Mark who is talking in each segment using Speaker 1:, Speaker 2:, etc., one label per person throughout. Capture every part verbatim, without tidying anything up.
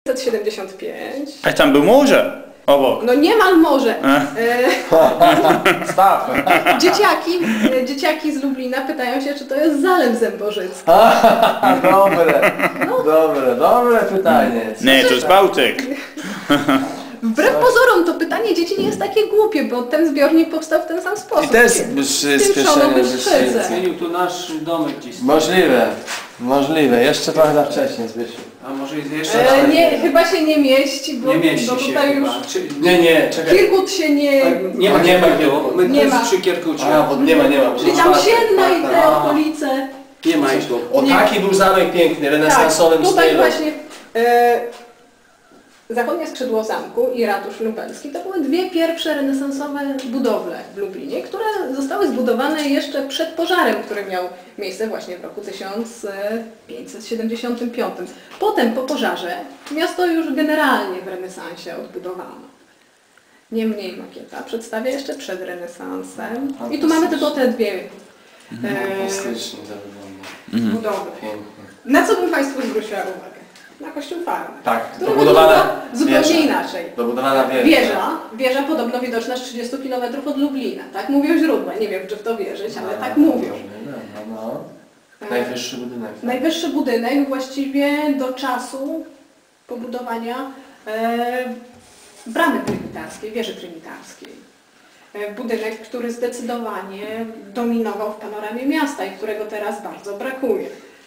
Speaker 1: pięćset siedemdziesiąt pięć.
Speaker 2: A tam był morze obok.
Speaker 1: No niemal morze. E,
Speaker 3: Staw.
Speaker 1: dzieciaki, dzieciaki z Lublina pytają się, czy to jest Zalew Zębożycki.
Speaker 3: Dobre, dobre, dobre pytanie.
Speaker 2: Nie, to jest Bałtyk.
Speaker 1: Wbrew pozorom to pytanie dzieci nie jest takie głupie, bo ten zbiornik powstał w ten sam sposób.
Speaker 3: I też
Speaker 1: Spieszono Bystrzycę.
Speaker 4: Zmienił tu nasz domek gdzieś.
Speaker 3: Możliwe, możliwe. Jeszcze trochę za wcześnie, Zbysiu.
Speaker 4: A może jeszcze...
Speaker 1: E, nie, chyba się nie mieści, bo,
Speaker 4: Nie mieści
Speaker 1: bo
Speaker 4: się
Speaker 1: tutaj
Speaker 4: chyba.
Speaker 1: już
Speaker 4: Czy,
Speaker 3: Nie, nie, czekaj.
Speaker 1: Kirkut się nie...
Speaker 4: nie ma,
Speaker 3: nie
Speaker 4: nie
Speaker 3: ma
Speaker 4: ma tu. My
Speaker 1: Nie
Speaker 4: tu
Speaker 1: ma.
Speaker 4: jest przy Kierkucie.
Speaker 3: A, bo nie ma, nie ma.
Speaker 1: Czyli tam Sienna i te
Speaker 4: A.
Speaker 1: okolice.
Speaker 4: Nie ma ich tu.
Speaker 3: O, taki był zamek piękny, renesansowym
Speaker 1: Tak, tutaj
Speaker 3: stylu.
Speaker 1: właśnie e, zachodnie skrzydło zamku i ratusz lubelski to były dwie pierwsze renesansowe budowle w Lublinie, które zostały zbudowane jeszcze przed pożarem, który miał miejsce właśnie w roku tysiąc pięćset siedemdziesiątym piątym. Potem po pożarze miasto już generalnie w renesansie odbudowano. Niemniej makieta przedstawia jeszcze przed renesansem. I tu mamy tylko te dwie e,
Speaker 3: Fantastycznie to wygląda.
Speaker 1: budowle.
Speaker 3: Pięknie.
Speaker 1: Na co bym Państwu zwróciła uwagę? Na kościół farmy.
Speaker 3: Tak,
Speaker 1: Który
Speaker 3: dobudowana
Speaker 1: wygląda zupełnie
Speaker 3: wieża.
Speaker 1: inaczej.
Speaker 3: Dobudowana wieża.
Speaker 1: Wieża, wieża podobno widoczna z trzydziestu kilometrów od Lublina. Tak mówią źródła. Nie wiem, czy w to wierzyć, ale tak mówią.
Speaker 3: No, no. Najwyższy budynek. Tak.
Speaker 1: Najwyższy budynek właściwie do czasu pobudowania e, bramy trynitarskiej, wieży trynitarskiej. E, budynek, który zdecydowanie dominował w panoramie miasta i którego teraz bardzo brakuje.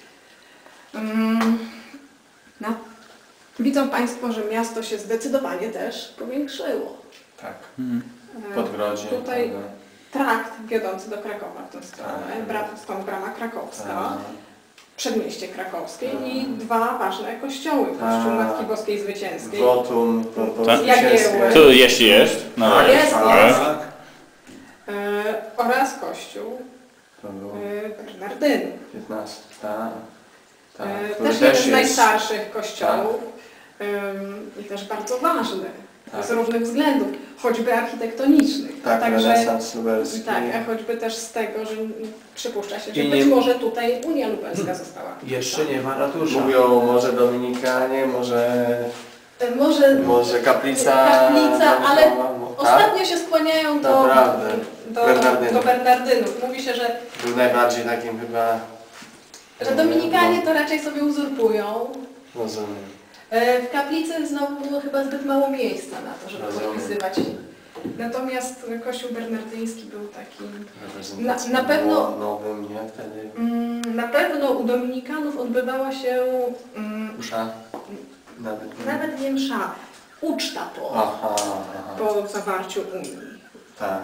Speaker 1: Mm, no. Widzą Państwo, że miasto się zdecydowanie też powiększyło.
Speaker 3: Tak.
Speaker 1: E,
Speaker 3: Podgrodzie.
Speaker 1: Tutaj
Speaker 3: prawda?
Speaker 1: trakt wiodący do Krakowa w tę stronę,
Speaker 3: Tak.
Speaker 1: bra, stąd brama krakowska.
Speaker 3: Tak.
Speaker 1: Przedmieście krakowskie
Speaker 3: Tak.
Speaker 1: i dwa ważne kościoły. Kościół
Speaker 3: Tak.
Speaker 1: Matki Boskiej Zwycięskiej.
Speaker 3: Wotum, po, po
Speaker 2: Tak.
Speaker 3: zwycięskie.
Speaker 2: Tu jeśli jest. No
Speaker 3: Tak,
Speaker 1: Jest,
Speaker 3: tak.
Speaker 1: jest. E, oraz kościół
Speaker 3: To było
Speaker 1: e, Bernardynów.
Speaker 3: piętnaście, tak. Tak.
Speaker 1: E,
Speaker 3: który
Speaker 1: też jeden z
Speaker 3: jest-
Speaker 1: najstarszych kościołów ym, i też bardzo ważny
Speaker 3: Tak.
Speaker 1: z różnych względów, choćby architektonicznych.
Speaker 3: Tak,
Speaker 1: Także,
Speaker 3: renesans lubelski.
Speaker 1: tak, a choćby też z tego, że przypuszcza się, że
Speaker 4: I
Speaker 1: być
Speaker 4: nie-
Speaker 1: może tutaj Unia Lubelska została.
Speaker 4: Jeszcze nie ma ratusza.
Speaker 3: Mówią może Dominikanie, może,
Speaker 1: E, Może
Speaker 3: może kaplica.
Speaker 1: kaplica, ale
Speaker 3: Tak?
Speaker 1: ostatnio się skłaniają do,
Speaker 3: Naprawdę.
Speaker 1: do,
Speaker 3: Bernardynów.
Speaker 1: do Bernardynów. Mówi się, że,
Speaker 3: Był najbardziej takim chyba.
Speaker 1: że Dominikanie to raczej sobie uzurpują.
Speaker 3: Rozumiem.
Speaker 1: E, W kaplicy znowu było chyba zbyt mało miejsca na to, żeby
Speaker 3: Rozumiem.
Speaker 1: podpisywać. Natomiast kościół bernardyński był takim...
Speaker 3: Reprezentacji
Speaker 1: Na- na pewno-
Speaker 3: było nowym, nie? Wtedy.
Speaker 1: Mm, Na pewno u Dominikanów odbywała się mm,
Speaker 3: Usza. Nawet.
Speaker 1: nawet nie msza, uczta po,
Speaker 3: Aha, aha.
Speaker 1: po zawarciu Unii.
Speaker 3: Tak.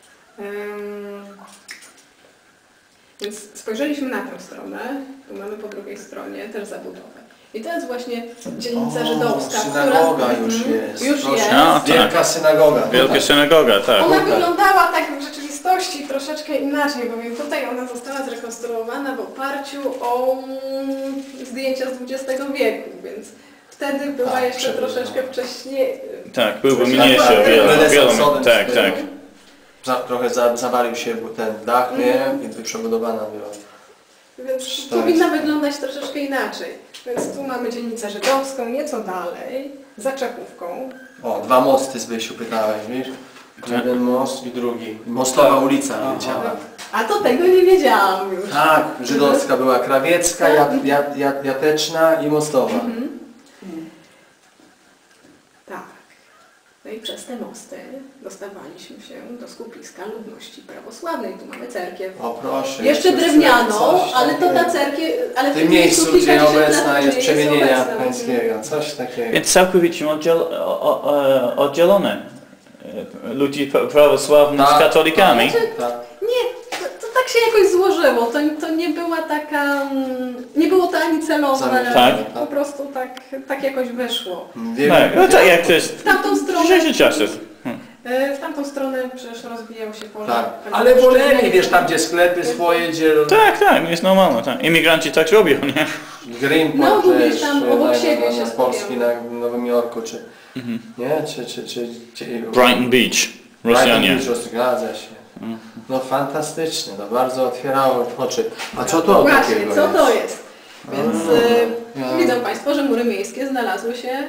Speaker 1: Ym, Więc spojrzeliśmy na tę stronę, tu mamy po drugiej stronie też zabudowę. I to jest właśnie dzielnica
Speaker 3: O,
Speaker 1: żydowska,
Speaker 3: synagoga
Speaker 1: która
Speaker 3: już
Speaker 1: Mhm,
Speaker 3: jest.
Speaker 1: Już
Speaker 3: Proszę.
Speaker 1: jest.
Speaker 2: A, tak.
Speaker 3: Wielka synagoga.
Speaker 2: Wielka synagoga, tak.
Speaker 1: Ona
Speaker 3: Tutaj.
Speaker 1: wyglądała tak w rzeczywistości troszeczkę inaczej, bowiem tutaj ona została zrekonstruowana w oparciu o mm, zdjęcia z dwudziestego wieku, więc wtedy była
Speaker 3: Tak,
Speaker 1: jeszcze
Speaker 3: przepiękna.
Speaker 1: troszeczkę wcześniej.
Speaker 2: Tak, byłby
Speaker 1: Coś
Speaker 2: mniejszy,
Speaker 1: takiego.
Speaker 2: wiele, wiele,
Speaker 3: Renesansowym
Speaker 2: tak,
Speaker 3: stylu.
Speaker 2: tak.
Speaker 3: Za, trochę za, zawalił się ten dach, nie? I tu przebudowana była.
Speaker 1: Więc
Speaker 3: Tak.
Speaker 1: powinna wyglądać troszeczkę inaczej. Więc tu mamy dzielnicę żydowską, nieco dalej, za Czechówką.
Speaker 3: O, dwa mosty Zbysiu pytałeś, wiesz? Jeden most i drugi. Mostowa ulica leciała.
Speaker 1: A to tego nie wiedziałam już.
Speaker 3: Tak, żydowska była krawiecka, jat, jat, jat, jateczna i mostowa.
Speaker 1: Mhm. Tak. No i przez te mosty dostawaliśmy się do skupiska ludności prawosławnej. Tu mamy cerkiew.
Speaker 3: O proszę.
Speaker 1: Jeszcze
Speaker 3: jest
Speaker 1: drewnianą,
Speaker 3: coś
Speaker 1: ale to ta
Speaker 3: takiego.
Speaker 1: cerkiew... Ale
Speaker 3: W tym miejscu, gdzie
Speaker 1: kilkadziesiąt lat
Speaker 3: obecna jest
Speaker 1: później
Speaker 3: przemienienia
Speaker 1: obecna.
Speaker 3: pańskiego. Coś takiego.
Speaker 2: Więc całkowicie oddziel, o, o, oddzielone e, ludzi pra- prawosławnych z
Speaker 3: Tak.
Speaker 2: katolikami.
Speaker 1: Znaczy,
Speaker 3: Tak.
Speaker 1: nie, to, to tak się jakoś złożyło. To, to nie była taka... mm, Nie było to ani celowe.
Speaker 3: Zamierzone,
Speaker 2: Tak.
Speaker 1: Po prostu tak, tak jakoś wyszło.
Speaker 3: Wiem,
Speaker 2: Tak, no tak jak to jest
Speaker 1: W tamtą
Speaker 2: w
Speaker 1: stronę...
Speaker 2: dzisiejszych czasach.
Speaker 1: e, W tamtą stronę przecież rozwijał się pole.
Speaker 3: Tak. Ale woleli, wiesz, tam gdzie sklepy swoje dzielą.
Speaker 2: Tak, tak, jest normalne, tak. Imigranci tak robią, nie?
Speaker 3: Greenport
Speaker 1: No, bo
Speaker 3: też,
Speaker 1: wiesz, tam
Speaker 3: e,
Speaker 1: obok
Speaker 3: na-
Speaker 1: siebie
Speaker 3: na-
Speaker 1: się
Speaker 3: na Polski
Speaker 1: skupiają.
Speaker 3: na Nowym Jorku, czy
Speaker 2: Mhm.
Speaker 3: nie? Czy, czy, czy, czy
Speaker 2: Brighton Beach, Rosjanie.
Speaker 3: Brighton Beach, zgadza się. No fantastycznie, to bardzo otwierało oczy. A co to
Speaker 1: Właśnie,
Speaker 3: takiego
Speaker 1: co
Speaker 3: jest?
Speaker 1: to jest? Więc
Speaker 3: A,
Speaker 1: y,
Speaker 3: ja-
Speaker 1: widzą Państwo, że mury miejskie znalazły się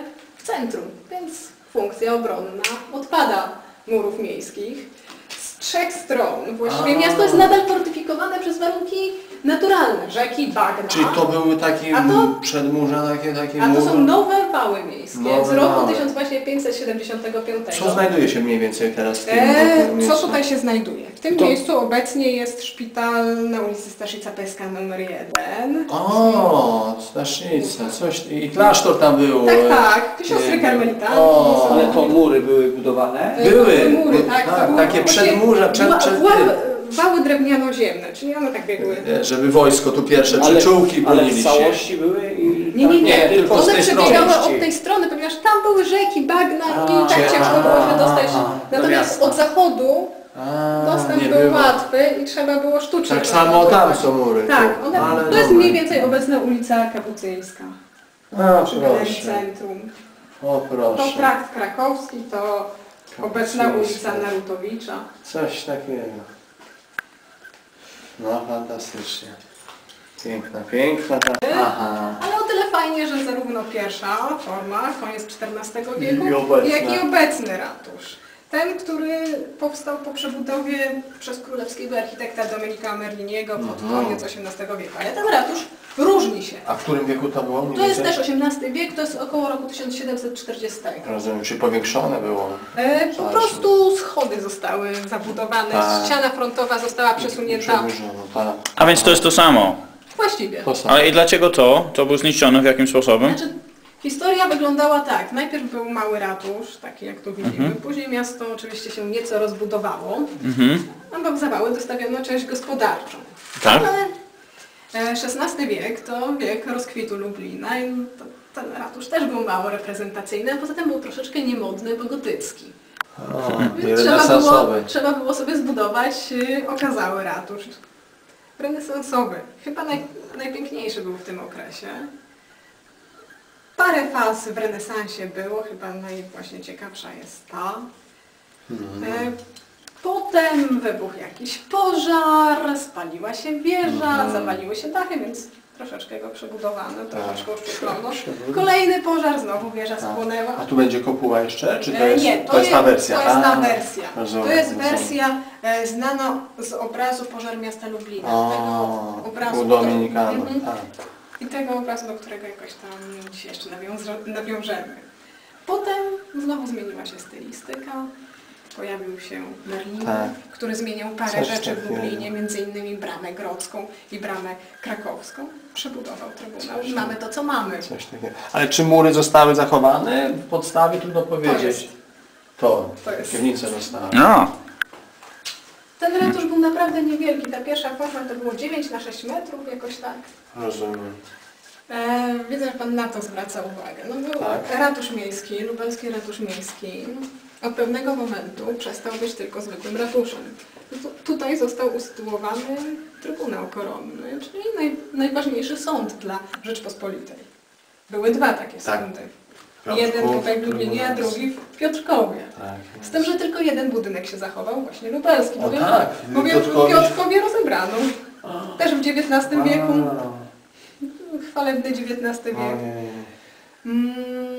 Speaker 1: w centrum, więc funkcja obronna odpada murów miejskich. Z trzech stron właściwie
Speaker 3: A.
Speaker 1: miasto jest nadal fortyfikowane przez warunki naturalne, rzeki, bagna.
Speaker 3: Czyli to były takie
Speaker 1: A to-
Speaker 3: przedmurza, takie, takie
Speaker 1: A to
Speaker 3: mury?
Speaker 1: są nowe wały miejskie
Speaker 3: Nowe
Speaker 1: z roku
Speaker 3: wały.
Speaker 1: tysiąc pięćset siedemdziesiątego piątego.
Speaker 3: Co znajduje się mniej więcej teraz w tym
Speaker 1: E,
Speaker 3: miejscu?
Speaker 1: co tutaj się znajduje? W tym
Speaker 3: To-
Speaker 1: miejscu obecnie jest szpital na ulicy Staszica Peska numer jeden.
Speaker 3: O, Staszica, coś, i klasztor tam był.
Speaker 1: Tak,
Speaker 3: e,
Speaker 1: tak, siostry
Speaker 3: e,
Speaker 1: karmelitanki.
Speaker 3: o,
Speaker 1: są-
Speaker 4: Ale to mury były budowane?
Speaker 1: E,
Speaker 3: były,
Speaker 1: to mury,
Speaker 3: by-
Speaker 1: tak,
Speaker 3: tak,
Speaker 1: to były
Speaker 3: takie
Speaker 1: właśnie
Speaker 3: przedmurza, przed-
Speaker 1: wa-
Speaker 3: przed
Speaker 1: wa-
Speaker 3: tym.
Speaker 1: Wały drewniano-ziemne, czyli one tak biegły.
Speaker 3: E, Żeby wojsko tu pierwsze
Speaker 4: Ale,
Speaker 3: przyczółki
Speaker 4: ale
Speaker 3: bronili
Speaker 4: w
Speaker 3: się.
Speaker 4: całości były i...
Speaker 1: Nie, nie, nie,
Speaker 3: Nie, tylko z
Speaker 1: one
Speaker 3: tej strony.
Speaker 1: przebiegały od tej strony, ponieważ tam były rzeki, bagna i tak
Speaker 3: cie-
Speaker 1: ciężko było się dostać.
Speaker 3: a,
Speaker 4: do
Speaker 1: Natomiast
Speaker 4: miasta.
Speaker 1: od zachodu
Speaker 3: A,
Speaker 1: dostęp
Speaker 3: nie
Speaker 1: był
Speaker 3: było.
Speaker 1: łatwy i trzeba było sztucznie
Speaker 3: Tak samo tam
Speaker 1: rozbudować.
Speaker 3: są mury.
Speaker 1: Tak,
Speaker 3: tu.
Speaker 1: one,
Speaker 3: Ale
Speaker 1: to jest
Speaker 3: dobra.
Speaker 1: mniej więcej obecna ulica Kapucyńska.
Speaker 3: A,
Speaker 1: Przy galerii
Speaker 3: proszę.
Speaker 1: centrum.
Speaker 3: O
Speaker 1: To
Speaker 3: proszę.
Speaker 1: trakt krakowski, to obecna
Speaker 3: Kapucyńska.
Speaker 1: ulica Narutowicza.
Speaker 3: Coś takiego. No fantastycznie. Piękna, piękna ta... Aha.
Speaker 1: Ale o tyle fajnie, że zarówno pierwsza forma, koniec czternastego wieku,
Speaker 3: I obecna.
Speaker 1: jak i obecny ratusz. Ten, który powstał po przebudowie przez królewskiego architekta Dominika Merliniego pod
Speaker 3: Mhm.
Speaker 1: koniec osiemnastego wieku. Ale ten ratusz różni się.
Speaker 3: A w którym wieku to było? mniej
Speaker 1: To jest
Speaker 3: więcej?
Speaker 1: też osiemnasty wiek, to jest około roku tysiąc siedemset czterdziestego.
Speaker 3: Rozumiem, czy powiększone było?
Speaker 1: E, po
Speaker 3: Ważne.
Speaker 1: prostu schody zostały zabudowane,
Speaker 3: Tak.
Speaker 1: ściana frontowa została przesunięta.
Speaker 3: Przedłużono, tak.
Speaker 2: A więc to jest to samo.
Speaker 1: Właściwie.
Speaker 3: To samo.
Speaker 2: Ale i dlaczego to? To było zniszczone w jakim sposobem?
Speaker 1: Znaczy, historia wyglądała tak. Najpierw był mały ratusz, taki jak tu widzimy. Później miasto oczywiście się nieco rozbudowało.
Speaker 2: Mhm.
Speaker 1: Obok zawały dostawiono część gospodarczą.
Speaker 2: Tak?
Speaker 1: Ale e, szesnasty wiek to wiek rozkwitu Lublina i to, ten ratusz też był mało reprezentacyjny, a poza tym był troszeczkę niemodny, bo gotycki.
Speaker 3: O, i
Speaker 1: Więc trzeba było,
Speaker 3: renesansowy.
Speaker 1: trzeba było sobie zbudować y, okazały ratusz. Renesansowy. Chyba naj, najpiękniejszy był w tym okresie. Parę faz w renesansie było, chyba naj właśnie ciekawsza jest ta.
Speaker 3: Mhm.
Speaker 1: E, Potem wybuchł jakiś pożar, spaliła się wieża,
Speaker 3: Mhm.
Speaker 1: zawaliły się dachy, więc troszeczkę go przebudowano, troszeczkę uszczuplono.
Speaker 3: Przebudowano.
Speaker 1: Kolejny pożar, znowu wieża
Speaker 3: Tak.
Speaker 1: spłonęła.
Speaker 3: A tu będzie kopuła jeszcze? Czy to
Speaker 1: E,
Speaker 3: jest,
Speaker 1: Nie,
Speaker 3: to jest ta wersja?
Speaker 1: To jest ta
Speaker 3: A,
Speaker 1: wersja.
Speaker 3: rozumiem,
Speaker 1: To jest
Speaker 3: rozumiem.
Speaker 1: wersja e, znana z obrazu Pożar Miasta Lublina.
Speaker 3: O,
Speaker 1: tego obrazu,
Speaker 3: u Dominikanów,
Speaker 1: Mhm.
Speaker 3: tak.
Speaker 1: I tego obrazu, do którego jakoś tam dzisiaj jeszcze nawiąza- nawiążemy. Potem znowu zmieniła się stylistyka. Pojawił się Merlin,
Speaker 3: Tak.
Speaker 1: który zmieniał parę
Speaker 3: Coś
Speaker 1: rzeczy w
Speaker 3: takiego.
Speaker 1: Lublinie, między innymi bramę grodzką i bramę krakowską. Przebudował Trybunał i mamy to, co mamy.
Speaker 3: Coś takiego. Ale czy mury zostały zachowane? W podstawie trudno powiedzieć.
Speaker 1: jest.
Speaker 3: To,
Speaker 1: To jest.
Speaker 3: piwnice zostały.
Speaker 2: No.
Speaker 1: Ten ratusz był naprawdę niewielki. Ta pierwsza forma to było dziewięć na sześć metrów, jakoś tak.
Speaker 3: Rozumiem.
Speaker 1: E, widzę, że Pan na to zwraca uwagę. No był
Speaker 3: Tak.
Speaker 1: ratusz miejski, lubelski ratusz miejski. Od pewnego momentu przestał być tylko zwykłym ratuszem. Tu, tutaj został usytuowany Trybunał Koronny, czyli naj, najważniejszy sąd dla Rzeczpospolitej. Były dwa takie
Speaker 3: Tak.
Speaker 1: sądy.
Speaker 3: Piotrków,
Speaker 1: Jeden tutaj w Lublinie, a
Speaker 3: Trybunał.
Speaker 1: drugi w Piotrkowie.
Speaker 3: Tak.
Speaker 1: Z tym, że tylko jeden budynek się zachował, właśnie lubelski.
Speaker 3: O
Speaker 1: Bowiem,
Speaker 3: tak, w
Speaker 1: bowiem w
Speaker 3: Piotrkowie.
Speaker 1: Piotrkowie rozebrano. Też w dziewiętnastym wieku.
Speaker 3: A,
Speaker 1: Chwalebny dziewiętnasty wiek.
Speaker 3: ojej.
Speaker 1: Mm,